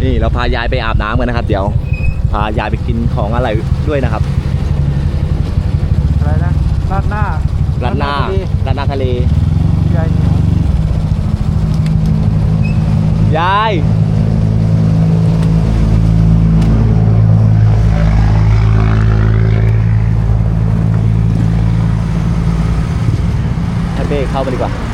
นี่เราพายายไปอาบน้ำกันนะครับเดี๋ยวพายายไปกินของอะไรด้วยนะครับอะไรนะราดหน้าร้านหน้าทะเลยายเหนียวยายให้เป้เข้าไปดีกว่า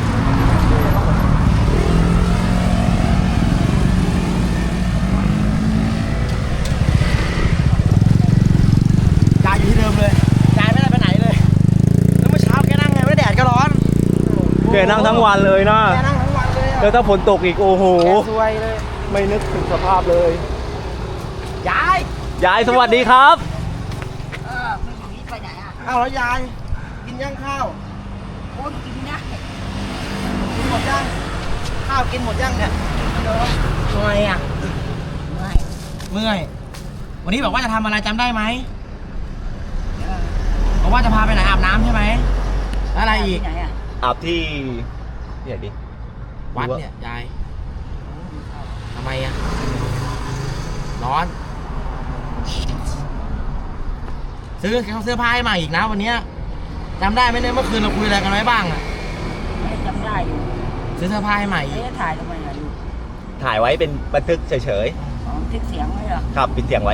แกนั่งทั้งวันเลยนะแกนั่งทั้งวันเลยแล้วถ้าฝนตกอีกโอ้โหสวยเลยไม่นึกถึงสภาพเลยยายสวัสดีครับไม่อยู่นี่ไปไหนอ่ะอ้าวแล้วยายกินยังข้าวโอ้ยกินนะกินหมดยังข้าวกินหมดยังเนี่ยเมื่อยอ่ะเมื่อยวันนี้บอกว่าจะทำอะไรจำได้ไหมบอกว่าจะพาไปไหนอาบน้ำใช่ไหมอะไรอีกอาบที่เนี่ยดิวัดเนี่ยยายทำไมอ่ะร้อนซื้อเสื้อผ้าให้ใหม่อีกนะวันนี้จำได้ไหมเนี่ยเมื่อคืนเราคุยอะไรกันไว้บ้างอ่ะไม่จำได้อยู่ซื้อเสื้อผ้าให้ใหม่ถ่ายทำไมล่ะลูกถ่ายไว้เป็นบันทึกเฉยๆบันทึกเสียงไว้เหรอครับปิดเสียงไว้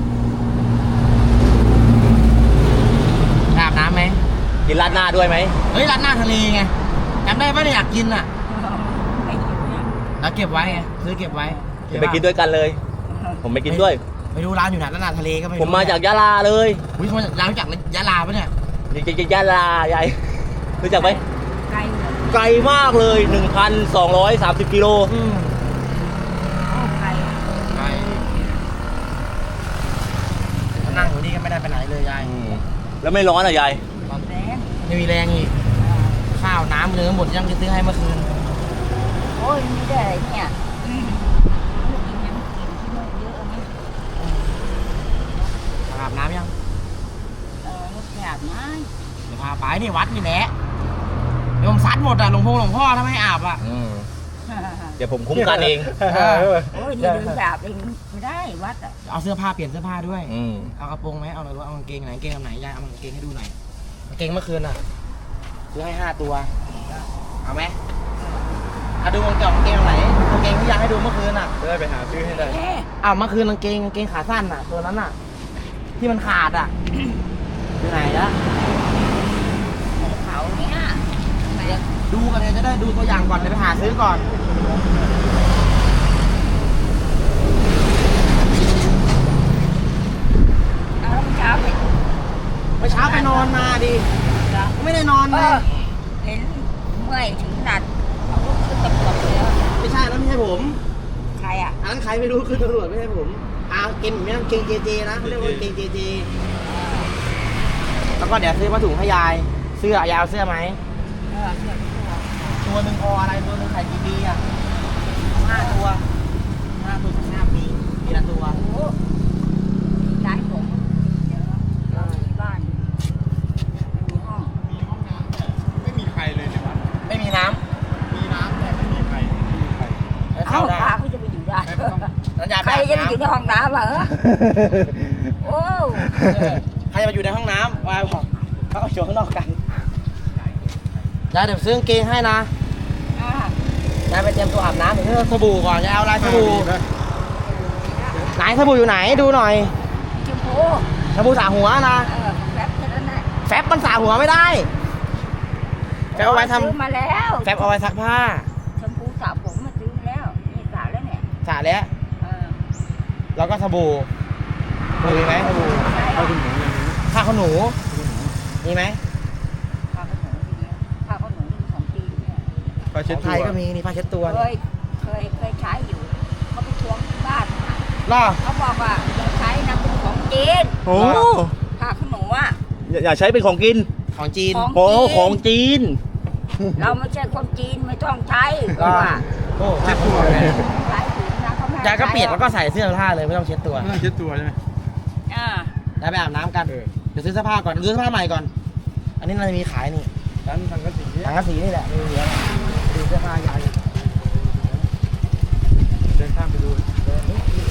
อาบน้ำไหมกินราดหน้าด้วยไหมเฮ้ยราดหน้าทะเลไงจำได้ปะเนี่ยอยากกินอ่ะไม่กินเนี่ยแล้วเก็บไว้ไงซื้อเก็บไว้ไปกินด้วยกันเลยผมไปกินด้วยไปดูร้านอยู่ไหนราดหน้าทะเลก็ไม่ผมมาจากยะลาเลยอุ้ยร้านจากยะลาปะเนี่ยยะลายายรู้จักไหมไกลมากเลย 1,230 กิโลไกลนั่งอยู่นี่ก็ไม่ได้ไปไหนเลยยายแล้วไม่ร้อนอ่ะยายร้อนแรงไม่มีแรงอีกข้าวน้ำเนื้อหมดยังจะซื้อให้เมื่อคืนโอ้ยไม่ได้เนี่ยกินยังกินที่นู่นเยอะไหมอาบน้ำยังไม่อาบน้ำเดี๋ยวพาไปนี่วัดนี่แหละโยมซัดหมดอ่ะหลวงพ่อถ้าไม่อาบอ่ะเดี๋ยวผมคุ้มกันเองโอ้ยนี่เดินแบบเองไม่ได้วัดอ่ะเอาเสื้อผ้าเปลี่ยนเสื้อผ้าด้วยเอากระโปรงไหมเอาอะไรวะเอากางเกงไหนกางเกงไหนยายเอากางเกงให้ดูหน่อยกางเกงเมื่อคืนอ่ะซื้อให้5 ตัวเอาไหมดูกางเกงไหนกางเกงที่ยายให้ดูเมื่อคืนอ่ะได้ไปหาซื้อให้ได้เมื่อคืนกางเกงขาสั้นอ่ะตัวนั้นอ่ะที่มันขาดอ่ะอยู่ไหนละเขาเนี้ยดูกันเลยจะได้ดูตัวอย่างก่อนเดี๋ยวไปหาซื้อก่อนเมื่อเช้าไปนอนมาดิไม่ได้นอนเลยเห็นเมื่อยถึงหนัดเอาลูกขึ้นตำรวจเลยไม่ใช่แล้วไม่ใช่ผมใครอ่ะอันนั้นใครไม่รู้ขึ้นตำรวจไม่ใช่ผมเกมไม่ต้องเกงเจนะเขาเรียกว่าเกงเจแล้วก็เดี๋ยวซื้อมาถุงให้ยายเสื้อยายเอาเสื้อไหมตัวหนึ่งอะไรตัวหนึ่งใส่กี่ปีอ่ะ5 ตัว5 ปีปีละตัวย้ายผมเราที่บ้านไม่มีห้องน้ำไม่มีใครเลยในวัดไม่มีน้ำแต่ไม่มีใครเอ้าพาเขาจะไปอยู่ได้ใครจะไปอยู่ในห้องน้ำเหรอโอ้ใครจะมาอยู่ในห้องน้ำวายบอกเขาเอาโชว์ข้างนอกกันยายเดี๋ยวซื้อกางเกงให้นะยายไปเตรียมตัวอาบน้ำเดี๋ยวสบู่ก่อนยายเอาอะไรสบู่ไหนสบู่อยู่ไหนดูหน่อยสบู่สระหัวนะแฟบมันสระหัวไม่ได้แฟบเอาไว้ทำมาแล้วแฟบเอาไว้ซักผ้าชมพูสระผมมาซื้อแล้วนี่สระแล้วเนี่ยสระแล้วแล้วก็สบู่มีไหมสบู่ผ้าขนหนูมีไหมผ้าขนหนูของจีนเนี่ยผ้าเช็ดตัวไทยก็มีนี่ผ้าเช็ดตัวเคยใช้อยู่เขาไปทวงบ้านเขาบอกว่าใช้นะเป็นของจีนโอ้ผ้าขนหนูอ่ะอย่าใช้เป็นของกินของจีนโอ้ของจีนเราไม่ใช่คนจีนไม่ต้องใช้ว่าเช็ดตัวยายก็เปียกแล้วก็ใส่เสื้อผ้าเลยไม่ต้องเช็ดตัวเช็ดตัวใช่ไหมได้ไปอาบน้ำกันเดี๋ยวซื้อเสื้อผ้าก่อนซื้อเสื้อผ้าใหม่ก่อนอันนี้เราจะมีขายนี่ร้านทางกระสีนี่แหละมีเยอะดูเสื้อผ้ายายเดินข้ามไปดู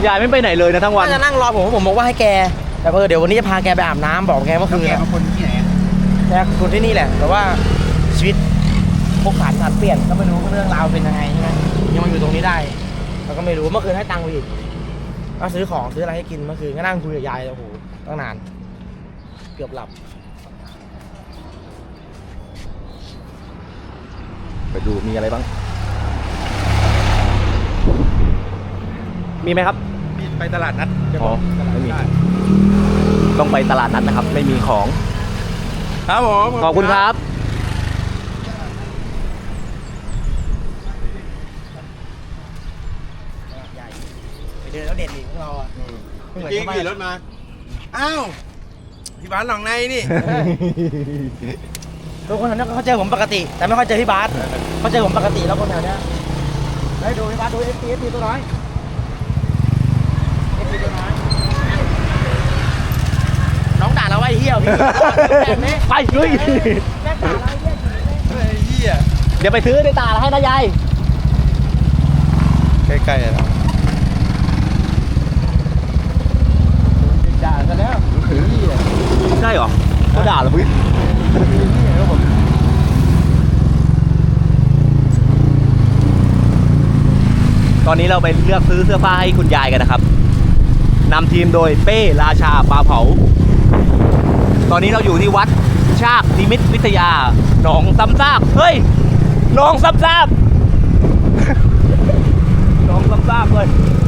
ยายไม่ไปไหนเลยนะทั้งวันจะนั่งรอผมบอกว่าให้แกแต่เดี๋ยววันนี้จะพาแกไปอาบน้ำบอกแกเมื่อคืนแกเป็นคนที่ไหนแกคนที่นี่แหละแต่ว่าชีวิตพวกผ่านเปลี่ยนก็ไม่รู้เรื่องราวเป็นยังไงใช่ไหมยังมาอยู่ตรงนี้ได้เราก็ไม่รู้เมื่อคืนให้ตังค์ไปอีกก็ซื้อของซื้ออะไรให้กินเมื่อคืนก็นั่งคุยกับยายโอ้โหตั้งนานเกือบหลับไปดูมีอะไรบ้าง มีไหมครับไปตลาดนัดอ๋อไม่มี ต้องไปตลาดนัดนะครับ ไม่มีของครับผมขอบคุณครับใหญ่ไปเดินแล้วเด็ดอีกพวกเราอ่ะจริงขี่รถมา อ้าวพี่บ้านหนองในนี่ทุกคนแถวนี้เขาเจอผมปกติ แต่ไม่ค่อยเจอพี่บาสเขาเจอผมปกติแล้วคนแถวเนี้ยได้ดูพี่บาสดูเอฟพีตัวน้อยเอฟพีตัวน้อยน้องด่าเราไอ้เหี้ยพี่แบบนี้ไปลุยแม่ด่าเราไอ้เหี้ยไอ้เหี้ยเดี๋ยวไปซื้อในตลาดให้นะยายใกล้ๆแล้วด่าซะแล้วใช่เหรอเขาด่าเหรอพี่ตอนนี้เราไปเลือกซื้อเสื้อผ้าให้คุณยายกันนะครับนำทีมโดยเป้ราชาปลาเผา ตอนนี้เราอยู่ที่วัดชากนิมิตวิทยาหนองซ้ำซากเฮ้ยหนองซ้ำซากหนองซ้ำซากเลย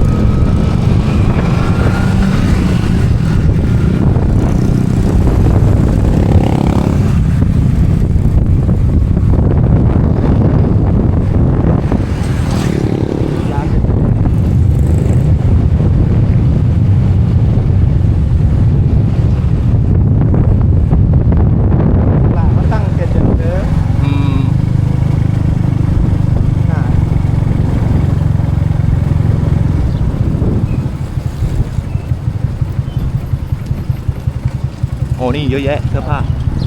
โอ้นี่เยอะแยะเสื้อผ้า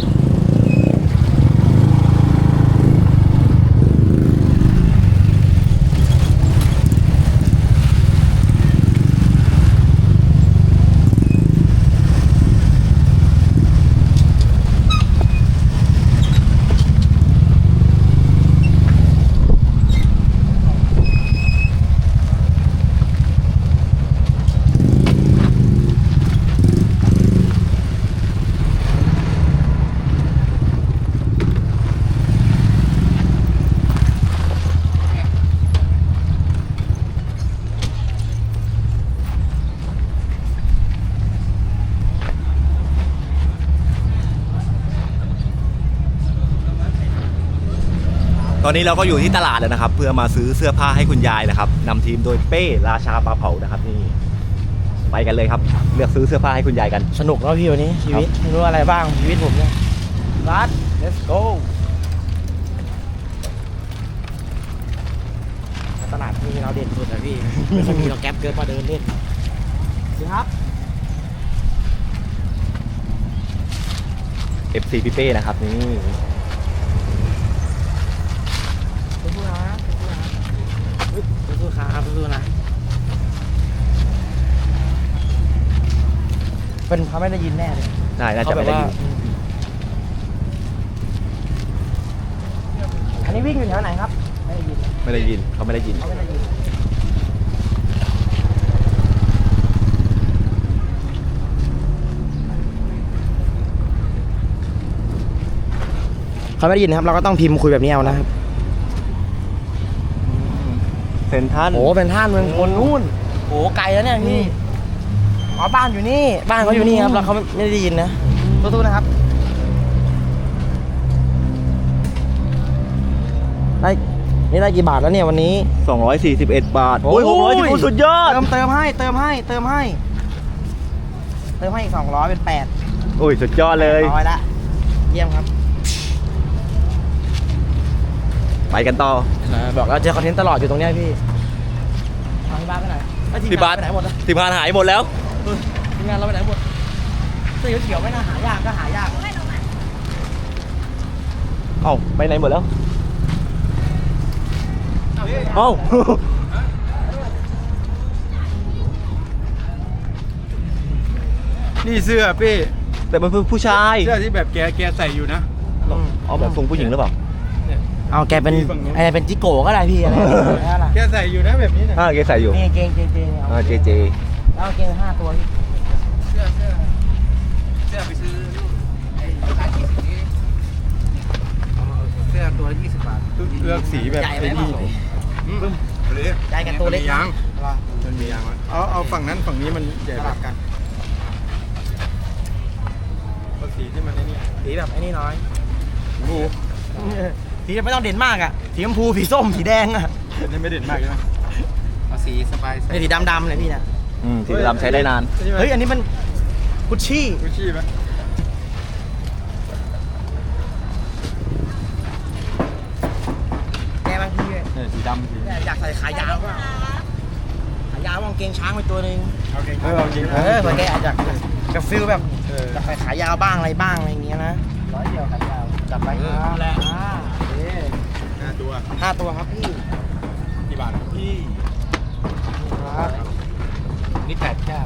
ตอนนี้เราก็อยู่ที่ตลาดแล้วนะครับ เพื่อมาซื้อเสื้อผ้าให้คุณยายนะครับนำทีมโดยเป้ราชาปลาเผานะครับนี่ไปกันเลยครับเลือกซื้อเสื้อผ้าให้คุณยายกันสนุกแล้วพี่วันนี้ชีวิตไม่รู้อะไรบ้างชีวิตผมเนี่ยรัด let's go ตลาดมีเราเด่นสุดนะพี่ไม่ค่อยมีเราแก๊ปเกินมาเดินเล่นสิครับ FC พี่เป้นะครับนี่สู้ๆนะสู้ๆครับสู้ๆนะเป็นเขาไม่ได้ยินแน่เลยใช่น่าจะไม่ได้ยินอันนี้วิ่งอยู่แถวไหนครับไม่ได้ยินไม่ได้ยินเขาไม่ได้ยินเขาไม่ได้ยินเขาไม่ได้ยินนะครับเราก็ต้องพิมพ์คุยแบบนี้เอานะครับเซนทันโอ้เป็นท่านเมืองคนนู่นโอ้ไกลแล้วเนี่ยพี่อ๋อบ้านอยู่นี่บ้านเขาอยู่นี่ครับแล้วเขาไม่ได้ยินนะสู้ๆนะครับได้นี่ได้กี่บาทแล้วเนี่ยวันนี้ 241 บาท โอ้ย610สุดยอดเติมให้อีก200เป็น8 โอ้ยสุดยอดเลย 800ละเยี่ยมครับไปกันต่อบอกเราเจอคอนเทนต์ตลอดอยู่ตรงเนี้ยพี่ทางที่บ้านไปไหนเอ้ยที่บ้านไปไหนหมดนะทีมงานหายหมดแล้วทีมงานเราไปไหนหมดเสื้อเขียวๆไม่น่าหายากก็หายากเอ้าไปไหนหมดแล้ว เอ้านี่เสื้อพี่แต่มันเป็นผู้ชายเสื้อที่แบบแกใส่อยู่นะเอาแบบทรงผู้หญิงหรือเปล่าเอาแกเป็นอะไรเป็นจิโก้ก็ได้พี่อะไรอะไรแกใส่อยู่นะแบบนี้นะเกใส่อยู่นี่เกงเอาเจเจเอาเกง5 ตัวพี่เสื้อไปซื้อร้าน20นี้เสื้อตัวละ20 บาทเลือกสีแบบไอ้นี่ปึ้มเลยใหญ่กับตัวเล็กมันมียางมันมียางเอาฝั่งนั้นฝั่งนี้มันใหญ่กว่ากันเอาสีที่มันไอ้นี่สีแบบไอ้นี่น้อยบูสีไม่ต้องเด่นมากอ่ะสีชมพูสีส้มสีแดงอ่ะนี่ไม่เด่นมากใช่ไหมเอาสีสบายไอ้สีดำๆเลยพี่นะสีดำใช้ได้นานเฮ้ยอันนี้มันกุชชี่กุชชี่ไหมแกบางทีสีดำสีอยากใส่ขายาวก็ขายาวกางเกงช้างไปตัวนึงเอาเก่งเอาจริงเผื่อแกอาจจะกับฟิลแบบอยากใส่ขายาวบ้างอะไรบ้างอะไรอย่างเงี้ยนะ100 เดียวขายาวจับไปแหละ 5 ตัว 5 ตัวครับพี่กี่บาทครับพี่ครับนี่8 แก้ว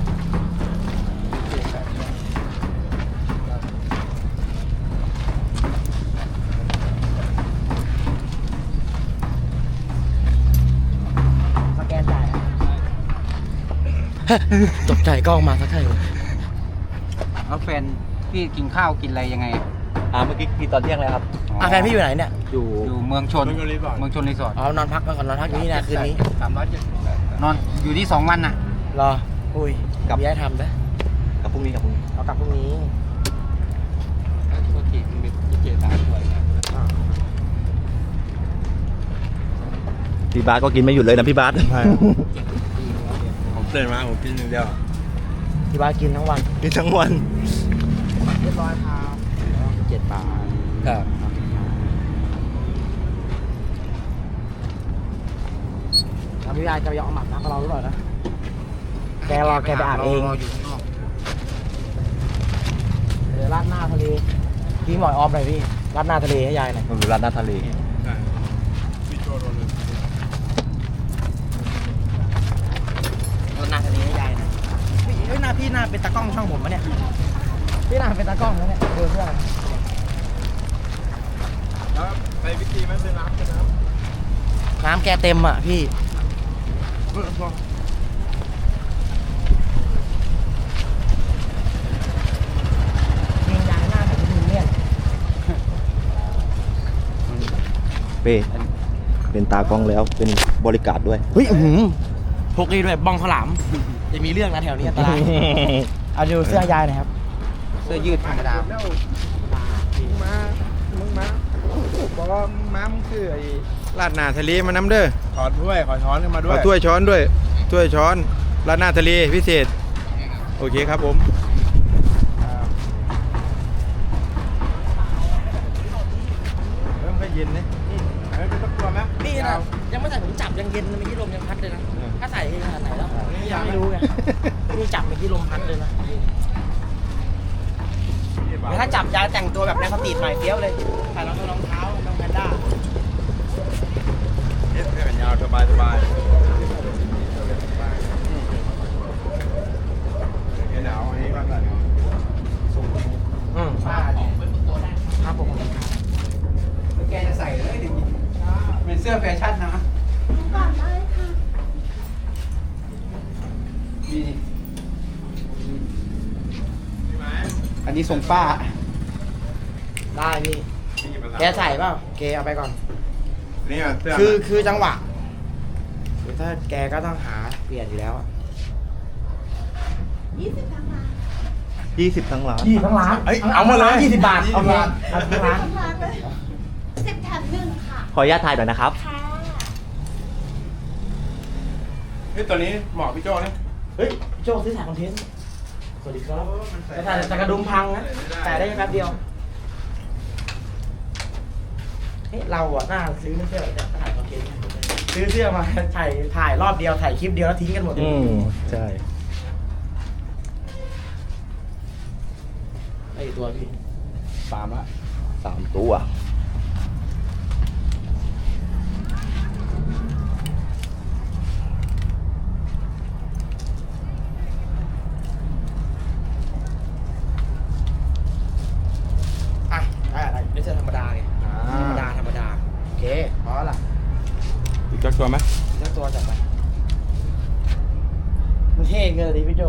สแกนจ่ายตกใจกล้องมาสักทีแล้วแฟนพี่กินข้าวกินอะไรยังไงเมื่อกี้กินตอนเที่ยงเลยครับแฟนพี่อยู่ไหนเนี่ยอยู่อยู่เมืองชนเมืองชนรีสอร์ทเมืองชนรีสอร์ทอ๋อนอนพักก่อนนอนพักอยู่นี่นะคืนนี้นอนอยู่ที่2 วันน่ะรออุ้ยกับย้ายทำนะกับพรุ่งนี้กับพรุ่งนี้เอากลับพรุ่งนี้พี่บาสก็กินไม่หยุดเลยนะพี่บาสผมเตือนมาผมกินอย่างเดียวที่บ้านกินทั้งวันกินทั้งวันเรียบร้อยครับ7 บาทครับแล้วพี่ยายจะไปยอมหมักน้ำกับเราหรือเปล่านะแกรอแกไปอาบเองอยู่ข้างนอกราดหน้าทะเลพี่หมอยออมหน่อยพี่ราดหน้าทะเลให้ยายหน่อยมันอยู่ร้านหน้าทะเลใช่พี่โจโดนเลยราดหน้าทะเลให้ยายหน่อยพี่หน้าพี่หน้าเป็นตากล้องช่องผมปะเนี่ยพี่หน้าเป็นตากล้องแล้วเนี่ยดูเพื่อนแล้วไปวิธีมันเป็นน้ำเป็นน้น้ำแกเต็มอ่ะพี่ำพอเกงยางหน้าของคุณเนี่ยเป้เป็นตากล้องแล้วเป็นบริการด้วยเฮ้ยพกนี่ด้วยบ้องข้าวหลามจะมีเรื่องนะแถวนี้อันตรายเอาดูเสื้อยายหน่อยครับเสื้อยืดธรรมดาแล้วมึงมาบอกว่าม้ามึงคือไอ้ลาดหน้าทะเลมาน้ำเด้อขอถ้วยขอช้อนขึ้นมาด้วยขอถ้วยช้อนด้วยถ้วยช้อนลาดหน้าทะเลพิเศษโอเคครับผมเริ่มก็เย็นนะไม่ต้องกลัวไหมนี่นะยังไม่ใส่ผมจับยังเย็นเมื่อกี้ลมยังพัดเลยนะถ้าใส่ขนาดไหนแล้วยังไม่รู้ไงนี่จับเมื่อกี้ลมพัดเลยนะถ้าจับยายแต่งตัวแบบในสตรีทหน่อยเฟี้ยวเลยใส่รองเท้าน้องแพนด้าเสื้อแขนยาวสบายหนาวอันนี้บ้างกันครับผมแกจะใส่เลยดิเป็นเสื้อแฟชั่นนะนี่อันนี้ทรงป้าได้พี่แกใส่เปล่าแกเอาไปก่อนนี่เสื้อคือจังหวะถ้าแกก็ต้องหาเปลี่ยนอยู่แล้ว 20 ทั้งร้าน 20 ทั้งร้านเอ้ยเอามาเลย20 บาทโอเคเอาทั้งร้าน 10 แถม 1 ค่ะขออนุญาตถ่ายหน่อยนะครับค่ะเฮ้ยตัวนี้เหมาะพี่โจ้นะเฮ้ยโจ้ซื้อถ่ายคอนเทนต์สวัสดีครับจะถ่ายแต่กระดุมพังนะแต่ได้แป๊บเดียวเฮ้ยเราอะน่าซื้อเสื้อแต่ถ่ายคอนเทนต์ซื้อเสื้อมาถ่ายรอบเดียวถ่ายคลิปเดียวแล้วทิ้งกันหมดเลยใช่ไอ้ตัวพี่ 3 ละ 3 ตัวไหมสักตัวจัดไปมันเท่เกินเลยดิพี่โจ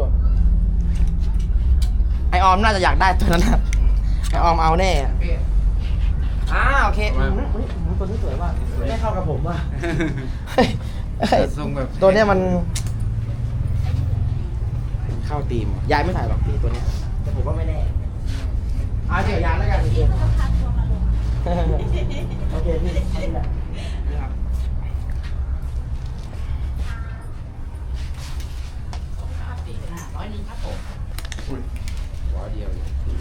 ไอออมน่าจะอยากได้ตัวนั้นนะไอออมเอาแน่อะโอเคตัวนี้สวยว่ะไม่เข้ากับผมว่ะเฮ้ยทรงแบบตัวเนี้ยมันเข้าตีมยายไม่ถ่ายหรอกพี่ตัวเนี้ยแต่ผมว่าไม่แน่เอาเดี๋ยวยายแล้วกันโอเคโอเคพี่นี่แหละนี่ครับหัวเดียว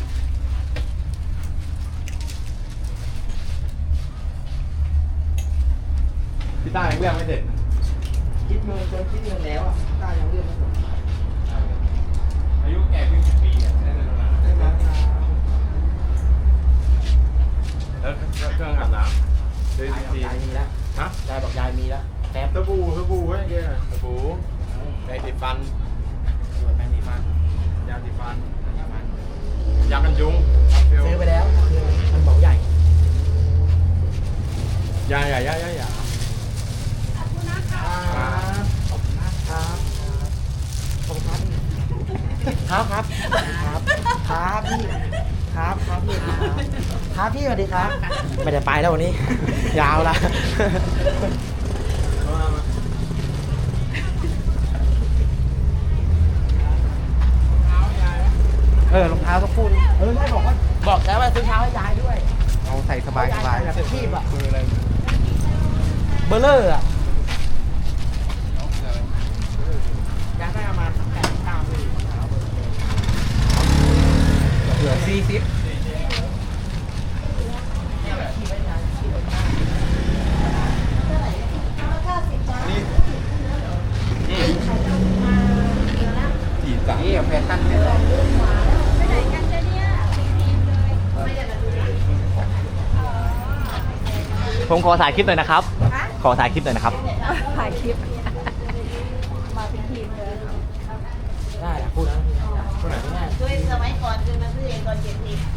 พี่ต้ายังเลือกไม่เสร็จคิดเงินจนคิดเงินแล้วอ่ะได้ยังเรื่องไม่จบอายุแก่ขึ้น10 ปีอ่ะได้เลยตรงนั้นแล้วเครื่องอาบน้ำได้10 ปียายมีแล้วฮะยายบอกยายมีแล้วแป๊บสบู่ไว้เยอะสบู่แปรงสีฟันแป๊บนี้มายาสีฟันยากันยุงซื้อไปแล้วคือมันบอกใหญ่ยาขอบคุณนะครับขอบคุณนะครับขอบคุณครับครับครับพี่ครับพี่ครับพี่สวัสดีครับไม่ได้ไปแล้ววันนี้ ยาวละรองเท้าสักคู่ไม่บอกใจว่าซื้อเท้าให้ยายด้วยเอาใส่สบายแบบชีพอะคืออะไรเบอร์เลอร์อะยายได้ประมาณ8-9เลยเหลือ40 นี่แฟชั่นเนี่ยผมขอถ่ายคลิปหน่อยนะครับ ขอถ่ายคลิปหน่อยนะครับถ่ายคลิป มาเป็นทีมเลยได้พูดนะพูดไหนง่ายด้วยสมัยก่อนคือมาซื้อเองตอน70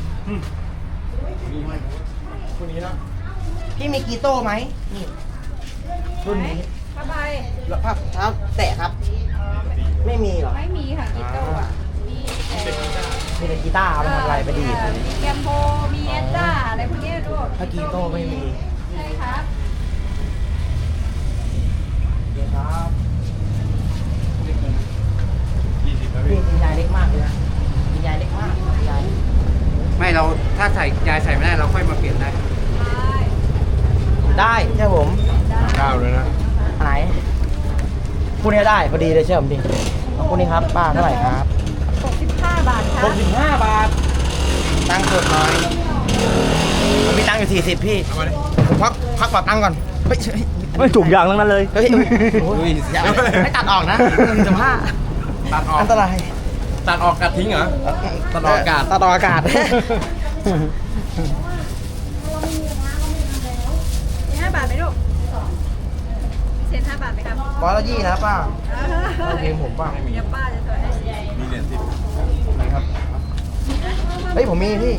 คู่นี้เนาะพี่มีกีโต้ไหมนี่รุ่นนี้ผ้าใบแล้วภาพเท้าแตะครับ ไม่มีเหรอไม่มีค่ะกีโต้อ่ะ มีแต่มีแต่กีตาร์เอาไปทำอะไรไปดีดแกมโบมีเอสต้าอะไรพวกนี้ด้วยถ้ากีโต้ไม่มีใช่ครับเดี๋ยวครับ 20แล้วพี่พี่คุณยายเล็กมากเลยนะคุณยายเล็กมากคุณยายไม่เราถ้าใส่ยายใส่ไม่ได้เราค่อยมาเปลี่ยนได้ได้ใช่ผม 9เลยนะอันไหนคู่นี้ได้พอดีเลยเชื่อผมดิเอาคู่นี้ครับป้าเท่าไหร่ครับ 65 บาทครับ 65 บาทตังค์สดหน่อยผมมีตังค์อยู่40พี่เอามาดิผมพักปรับตังค์ก่อนเฮ้ยไม่ถูกอย่างทั้งนั้นเลยเฮ้ยอย่าไม่ตัดออกนะ1.5 ตัดออกอันตรายตัดออกกัดทิ้งเหรอ ตัดออกอากาศตัดออกอากาศ 5 บาทไหมลูกเซ็น5 บาทไหมครับร้อยละยี่นะป้าโอเคผมป้าเดี๋ยวป้าจะถอยให้มีเหรียญ10 ครับเฮ้ยผมมีพี่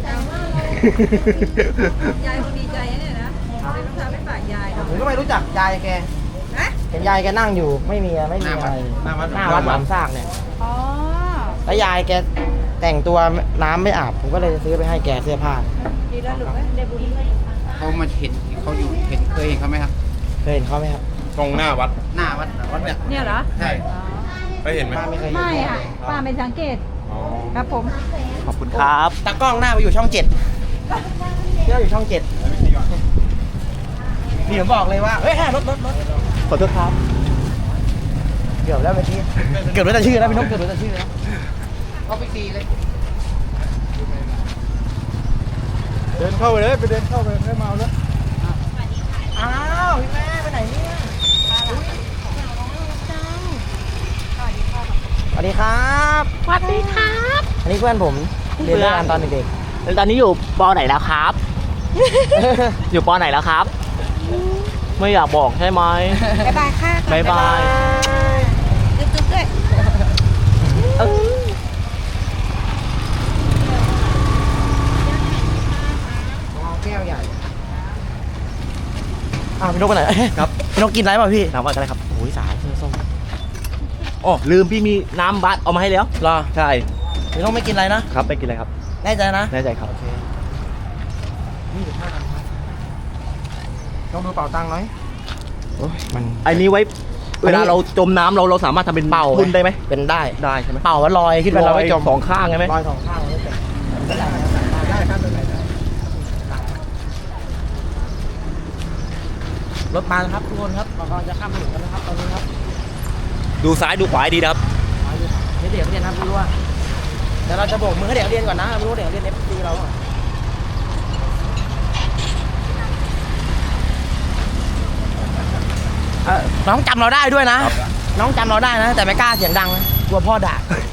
ยายคงดีใจนะเนี่ยนะเลยต้องทำให้ฝากยายเนาะผมก็ไม่รู้จักยายแกฮะเห็นยายแกนั่งอยู่ไม่มีอะไรหน้าวัดหน้าวัดหลามซากเนี่ยอ๋อแล้วยายแกแต่งตัวน้ำไม่อาบผมก็เลยซื้อไปให้แกเสื้อผ้าดีแล้วหรือไม่ได้บุญเลยเขามาเห็นเขาอยู่เคยเห็นเขาไหมครับเคยเห็นเขาไหมครับตรงหน้าวัดหน้าวัดเนี่ยเนี่ยเหรอใช่ได้เห็นไหมป้าไม่เคยเห็นไม่ค่ะป้าไม่สังเกตอ๋อครับผมขอบคุณครับตากล้องหน้าไปอยู่ช่อง7เที่ยวอยู่ช่อง7นี่ผมบอกเลยว่าเฮ้ยรถขอโทษครับเกือบแล้วเมื่อกี้เกือบรู้แต่ชื่อแล้วพี่นกเกือบรู้แต่ชื่อแล้วเขาไปตีเลยเดินเข้าไปเลย ไปเดินเข้าไปให้เมาแล้วอ้าวพี่แม่ไปไหนเนี่ยสวัสดีครับสวัสดีครับอันนี้เพื่อนผมเรียนด้วยกันตอนเด็กแล้วตอนนี้อยู่ปอไหนแล้วครับๆอยู่ปอไหนแล้วครับ ไม่อยากบอกใช่ไหมบ๊ายบายค่ะบ๊ายบายจุ๊บๆด้วยแก้วใหญ่พี่นกไปไหนครับพี่นกกินอะไรเปล่าพี่ถามว่าอะไรครับโอ้ยสายส้มอ๋อลืมพี่มีน้ำบัสเอามาให้แล้วรอใช่พี่นกไม่กินอะไรนะครับไม่กินอะไรครับแน่ใจนะแน่ใจครับต้องดูเป่าตังค์หน่อยโอ้ยมันไอ้นี้ไว้เวลาเราจมน้ำเราสามารถทำเป็นเป่าทุนได้ไหมเป็นได้ได้ใช่ไหมเป่าว่าลอยขึ้นไปเราไม่จมสองข้างใช่ไหมลอยสองข้างไม่เป็นได้ครับเป็นไรได้รถมาแล้วครับทุกคนครับเรากำลังจะข้ามถนนกันนะครับตอนนี้ครับดูซ้ายดูขวาให้ดีนะครับนี่เด็กเรียนนะไม่รู้ว่าเดี๋ยวเราจะโบกมือให้เด็กเรียนก่อนนะไม่รู้ว่าเด็กเรียน FC เราอ่ะน้องจำเราได้ด้วยนะ น้องจำเราได้นะ แต่ไม่กล้าเสียงดังนะกลัวพ่อด่า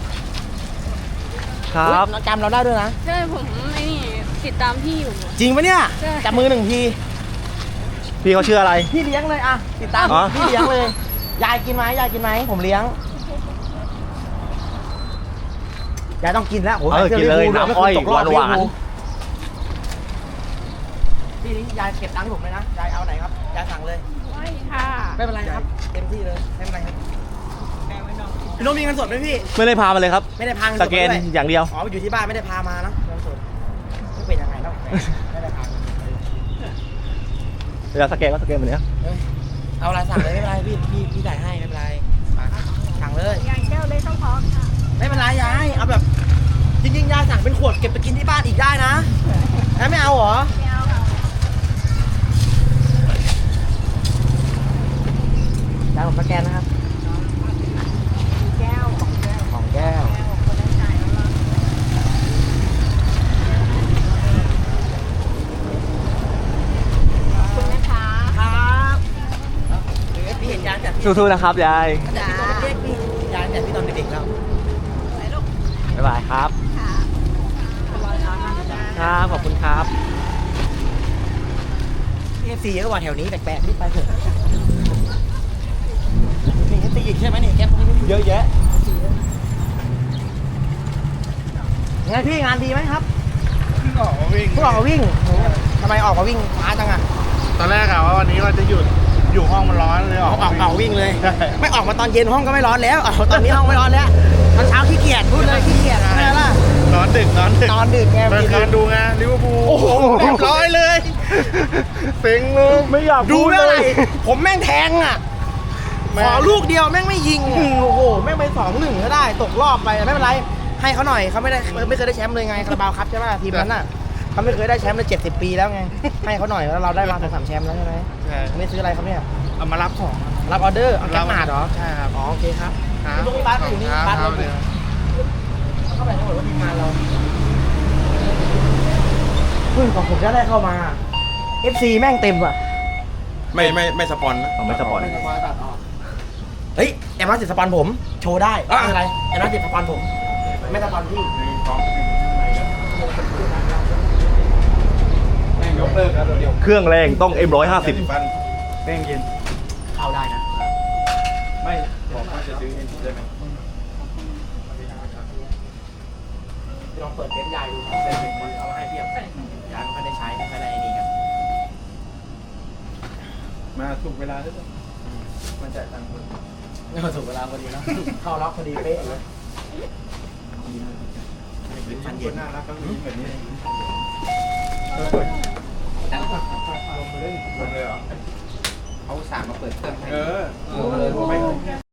ครับน้องจำเราได้ด้วยนะใช่ผมไอ้นี่ติดตามพี่อยู่จริงปะเนี่ยใช่จับมือหนึ่งทีพี่เขาชื่ออะไรพี่เลี้ยงเลยอ่ะติดตามอ๋อพี่เลี้ยงเลยยายกินไหมยายกินไหมผมเลี้ยงยายต้องกินแล้วโอ้เออกินเลยน้ำอ้อยหวานพี่นี่ยายเก็บตังค์ผมเลยนะยายเอาไหนครับยายสั่งเลยไม่ค่ะไม่เป็นไรครับเต็มที่เลยไม่เป็นไรครับพี่โน้ตมีเงินสดไหมพี่ไม่ได้พามาเลยครับไม่ได้พาเงินสสดแกนมาด้วยอย่างเดียวอ๋ออยู่ที่บ้านไม่ได้พามานะเงินสดไม่เป็นยังไงแล้วไม่ได้พาเวลาสแกนก็สแกนแบบนี้เอ้ยเอาอะไรสั่งเลยไม่เป็นไรพี่จ่ายให้ไม่เป็นไรมาสั่งเลยยางแก้วเลยต้องพอค่ะไม่เป็นไรยายเอาแบบจริงๆยายสั่งเป็นขวดเก็บไปกินที่บ้านอีกได้นะแล้วไม่เอาเหรอไม่เอาค่ะยายผมสแกนนะครับแก้วของแก้วของแก้วแก้วคนได้จ่ายแล้วล่ะขอบคุณนะคะครับพี่เห็นยายแต่พี่สู้ๆนะครับยายแต่พี่ตอนเด็กพี่ยายแต่พี่ตอนเด็กๆแล้วบ๊ายบายครับ ครับ ขอบคุณครับเอฟซีเยอะกว่าแถวนี้แปลกๆนี่ไปเถอะมีเอฟซีอีกใช่ไหมเนี่ยแก๊ปนี้เยอะแยะไงพี่งานดีไหมครับเพิ่งออกมาวิ่งเพิ่งออกมาวิ่งโอ้โหทำไมออกมาวิ่งช้าจังอ่ะตอนแรกอะว่าวันนี้ว่าจะหยุดอยู่ห้องมันร้อนเลยออกออกวิ่งเลยใช่ไม่ออกมาตอนเย็นห้องก็ไม่ร้อนแล้วเอาตอนนี้ห้องไม่ร้อนแล้วตอนเช้าขี้เกียจพูดเลยขี้เกียจใช่ไหมล่ะนอนดึกนอนดึกไงเมื่อคืนดูไงลิเวอร์พูลโอ้โหเรียบร้อยเลยเซ็งเลยไม่อยากดูพูไม่เลอะไรยผมแม่งแทงอ่ะแม่งขอลูกเดียวแม่งไม่ยิงอ่ะโอ้โหแม่งไป2-1ก็ได้ตกรอบไปไม่เป็นไรให้เขาหน่อยเขาไม่เคยได้แชมป์เลยไงคาราบาวครับใช่ไหมทีมนั้นน่ะเขาไม่เคยได้แชมป์เลย70 ปีแล้วไงให้เขาหน่อยแล้วเราได้มา2-3แชมป์แล้วใช่ไหมใช่ไม่ซื้ออะไรครับเนี่ยเอามารับของรับออเดอร์เอาแก๊ปมาเหรอใช่ครับอ๋อโอเคครับครับพี่ลูกพี่บ้านอยู่นี่บ้านคเรารับเข้าไปทั้งหมดว่าทีมงานเราเพิ่งของผมจะได้เข้ามา FC แม่งเต็มอ่ะไม่สปอนนะเอาไม่สปอนเฮ้ยแอมมาติดสปอนผมโชว์ได้ไม่เป็นไรแอมมาติดสปอนผมไม่สปอนพี่แม่งยกเลิกแล้วเดี๋ยวเครื่องแรงต้อง M150 แป้งเย็นเข้าได้นะไม่บอกว่าจะซื้อเอ็นได้ไหมลองเปิดเว็บยายดูเว็บมันเอามาให้เพียบยายไม่ค่อยได้ใช้ไม่ค่อยได้นี่กันมาถูกเวลาด้วยมันจ่ายตังค์คนนี่มาถูกเวลาพอดีนะเข้าล็อกพอดีเป๊ะเลยมันเย็นน่ารักก็มีแบบนี้ลงเลยเหรอเขาสามมาเปิดเครื่องให้เออ